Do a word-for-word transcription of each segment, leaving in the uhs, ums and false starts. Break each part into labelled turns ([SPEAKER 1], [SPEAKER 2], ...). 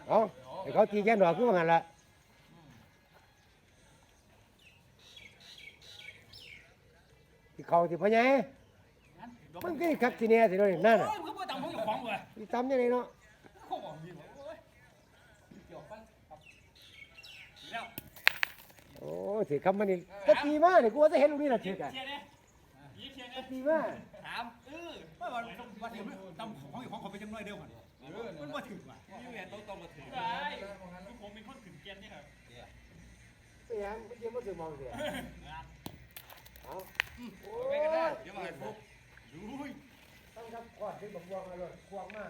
[SPEAKER 1] เอาให้เขาตีแค่ดอกคือว่างั้นละที่เขาที่พ่อใหญ่มันก็คักทีเนี้ยสิโดนนั่นน่ะ
[SPEAKER 2] โอ้ยมึงก็บ่ตำของอยู่ของเว้ย
[SPEAKER 1] ที่ตำยังไงเนาะ
[SPEAKER 2] เขาบอกดีกว่าโอ้ยเกี่ยวกันครับแล้ว
[SPEAKER 1] โอ้ถือคำมันนี่ก็ตีมาเนี่ยกูว่าจะเห็นลูกนี่น่ะถือกัน
[SPEAKER 2] เชียร์เนี่ยยีเชียร์เนี่ย
[SPEAKER 1] ตีมา
[SPEAKER 2] ถามเออว่าว่าว่าถึงตำของอยู่ของเขาไปจังน้อยเดียวกันมันบ่ถึงว่ะนี่แหวนต้องต้องมาถึงได้คือผมเป็นคนถึงเกณฑ์นี่ครับ
[SPEAKER 1] ไปยังไม่เกี่ยวกับถือมองเสียเอาโอ้ย
[SPEAKER 2] เดี๋ยวมาให้ปุ๊บยุ้ย
[SPEAKER 1] ต้องทำขอดถึงบักบวงมาเลยควงมา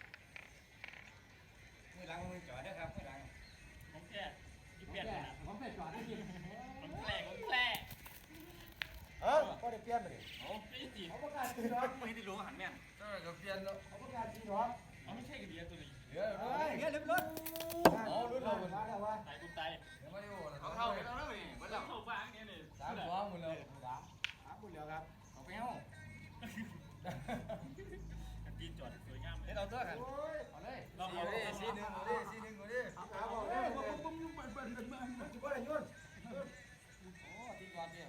[SPEAKER 3] มือหลังมือจอดนะครับมือหลัง
[SPEAKER 2] ผมแค่ยี่สิบแปดนะผมแค่จอดได้ยินผมแกล้ผมแกล้
[SPEAKER 1] เออพอได้เปลี่ยนไปดิ
[SPEAKER 2] โอ้ไม่จี
[SPEAKER 1] เขาประกาศตีหรอก
[SPEAKER 2] ไม่ได้รู้หันแม่น
[SPEAKER 3] ก็จะเปลี่ยนแล้ว
[SPEAKER 1] เขาประกาศตีหรอก
[SPEAKER 2] เขาไม่ใช่กระเดียตัวนี้
[SPEAKER 3] เดี๋ยว
[SPEAKER 1] เฮ้ย
[SPEAKER 2] เงี้ยเล็บรถ
[SPEAKER 1] อ๋อรุ่นเรามาแล้ววะ
[SPEAKER 2] ตายกูตาย
[SPEAKER 3] เดี๋ยวมาดู
[SPEAKER 2] เขาเข้าไปแล้วนี่มันเข้าบ้านเนี่ยนี่
[SPEAKER 3] สามสองหมดเลย
[SPEAKER 1] สามสามคนเดียวครับ
[SPEAKER 3] เอาไปเอา
[SPEAKER 2] จีจอดสวยงาม
[SPEAKER 3] เดี๋ยวเราตัวกัน
[SPEAKER 1] โอ้ย
[SPEAKER 3] เอาเลยสีหนึ่งเอาดิสีหนึ่งเอาดิ
[SPEAKER 1] เอาขาบอกเลยว่าผมยุ่งมันเป็นมันมันจะว่าอะไรยุ่น
[SPEAKER 3] โอ้ที่จอดเนี่ย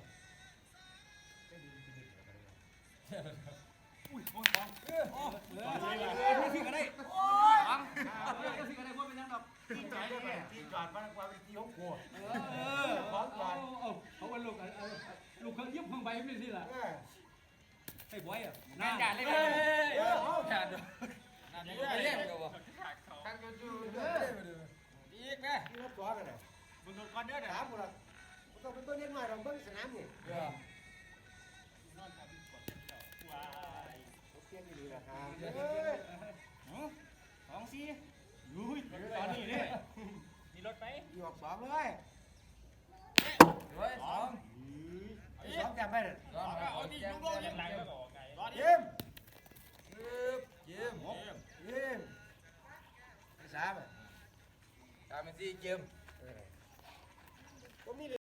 [SPEAKER 2] อุ้ยโอ้ยฟองโอ้ยพี่ก็ได้
[SPEAKER 1] โอ้ย
[SPEAKER 2] ฟังพี่ก็ได้พวกเป็นยังดอก
[SPEAKER 1] ตีจอดได้ไหมตีจอดมันกว่าเป็นตีของกู
[SPEAKER 2] เออเขาเอาเขาว่าลูกลูกเขายิบข้างใบไม่สิล่ะ
[SPEAKER 1] เออ
[SPEAKER 2] ไอ้บอยอ่ะ
[SPEAKER 3] งานการเลย
[SPEAKER 1] เอ
[SPEAKER 3] กัน
[SPEAKER 1] อเอา
[SPEAKER 3] ขาดด้วย
[SPEAKER 2] เรียกกันวะ
[SPEAKER 3] ข้างจูจูเลยมาดูอีกนะ
[SPEAKER 1] ที่รับตัวกันเลย
[SPEAKER 2] มึงโดนก้อนเด้อเด้อ
[SPEAKER 1] ถามกูละกูต้องเป็นต้นเลี้ยงหน่อยเราเบิ้งสนามนี่
[SPEAKER 3] เดี๋ยวน
[SPEAKER 2] อนทำกดว้าย
[SPEAKER 1] ผมเปลี่ยนดีๆนะครับ
[SPEAKER 2] สองสี่ยุ้ยตอนนี้เนี่ยนี่รถไป
[SPEAKER 1] อยู่ออกสองเลย
[SPEAKER 3] ด้วยสอง
[SPEAKER 1] สองแต้มไปเลย
[SPEAKER 3] สอง
[SPEAKER 2] เอาดิยุ้งโลกยังหลังแล้วก็ไก่รอดิ
[SPEAKER 1] เยี่ยม
[SPEAKER 3] ปึ๊บเยี่ยม
[SPEAKER 1] เยี่ยมสามอ่ะ
[SPEAKER 3] ตามเป็นสี่เกม
[SPEAKER 1] ผมมี